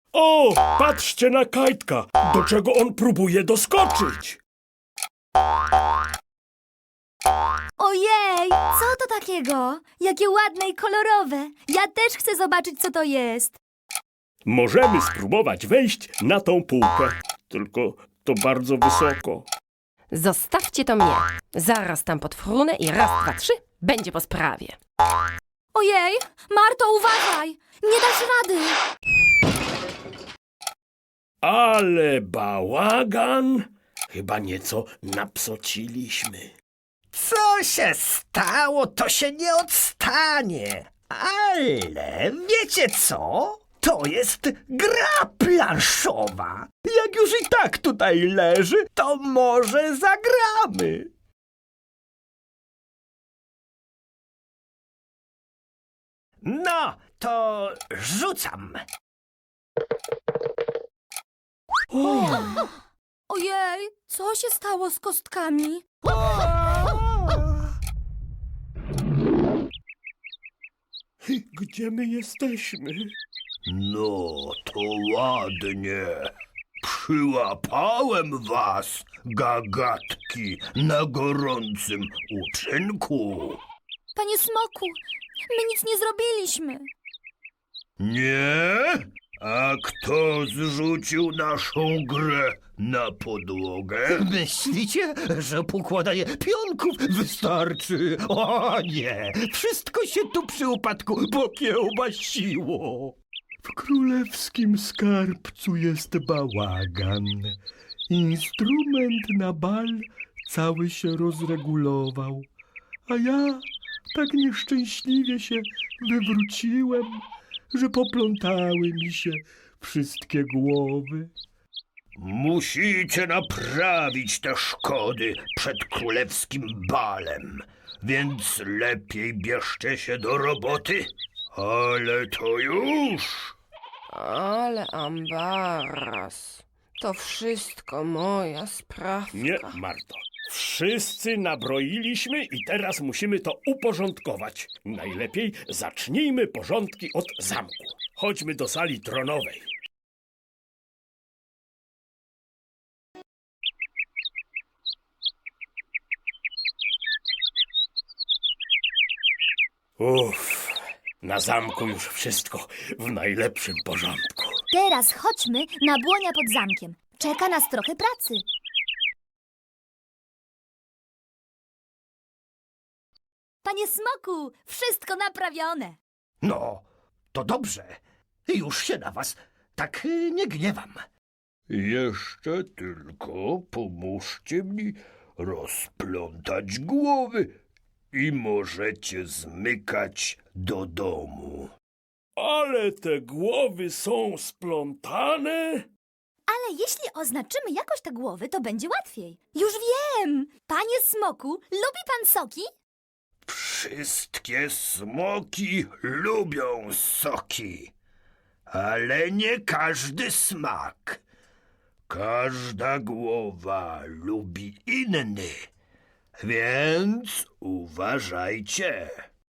O, patrzcie na Kajtka, do czego on próbuje doskoczyć. Ojej, co to takiego? Jakie ładne i kolorowe. Ja też chcę zobaczyć, co to jest. Możemy spróbować wejść na tą półkę, tylko to bardzo wysoko. Zostawcie to mnie. Zaraz tam podfrunę i raz, dwa, trzy, będzie po sprawie. Ojej, Marto, uważaj! Nie dasz rady! Ale bałagan! Chyba nieco napsociliśmy. Co się stało, to się nie odstanie. Ale wiecie co? To jest gra planszowa. Jak już i tak tutaj leży, to może zagramy. No, to rzucam. Ojej, co się stało z kostkami? Gdzie my jesteśmy? No, to ładnie. Przyłapałem was, gagatki, na gorącym uczynku. Panie Smoku, my nic nie zrobiliśmy. Nie? A kto zrzucił naszą grę na podłogę? Myślicie, że pokładanie pionków wystarczy? O nie! Wszystko się tu przy upadku pokiełbasiło. W królewskim skarbcu jest bałagan. Instrument na bal cały się rozregulował, a ja tak nieszczęśliwie się wywróciłem, że poplątały mi się wszystkie głowy. Musicie naprawić te szkody przed królewskim balem, więc lepiej bierzcie się do roboty. Ale to już! Ale ambaras. To wszystko moja sprawka. Nie, Marto. Wszyscy nabroiliśmy i teraz musimy to uporządkować. Najlepiej zacznijmy porządki od zamku. Chodźmy do sali tronowej. Uff, na zamku już wszystko w najlepszym porządku. Teraz chodźmy na błonia pod zamkiem. Czeka nas trochę pracy. Panie Smoku, wszystko naprawione. No, to dobrze. Już się na was tak nie gniewam. Jeszcze tylko pomóżcie mi rozplątać głowy i możecie zmykać do domu. Ale te głowy są splątane. Ale jeśli oznaczymy jakoś te głowy, to będzie łatwiej. Już wiem! Panie Smoku, lubi pan soki? Wszystkie smoki lubią soki, ale nie każdy smak. Każda głowa lubi inny, więc uważajcie.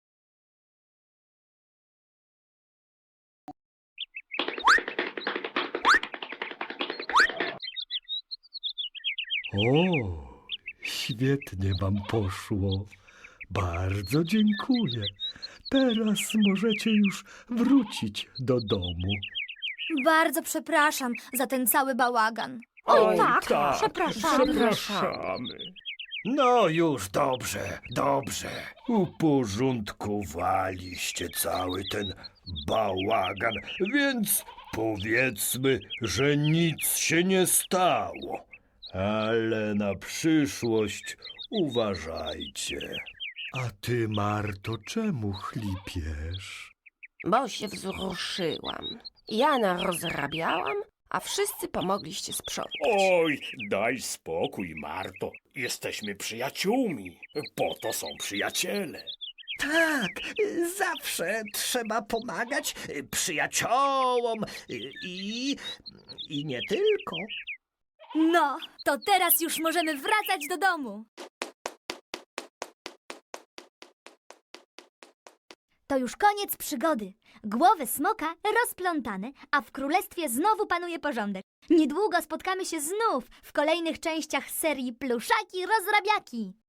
O, świetnie wam poszło. Bardzo dziękuję. Teraz możecie już wrócić do domu. Bardzo przepraszam za ten cały bałagan. Oj, Tak, przepraszamy. No już dobrze, dobrze. Uporządkowaliście cały ten bałagan, więc powiedzmy, że nic się nie stało. Ale na przyszłość uważajcie. A ty, Marto, czemu chlipiesz? Bo się wzruszyłam. Jana rozrabiałam, a wszyscy pomogliście sprzątać. Oj, daj spokój, Marto. Jesteśmy przyjaciółmi. Po to są przyjaciele. Tak, zawsze trzeba pomagać przyjaciołom i nie tylko. No, to teraz już możemy wracać do domu. To już koniec przygody. Głowy smoka rozplątane, a w królestwie znowu panuje porządek. Niedługo spotkamy się znów w kolejnych częściach serii Pluszaki Rozrabiaki.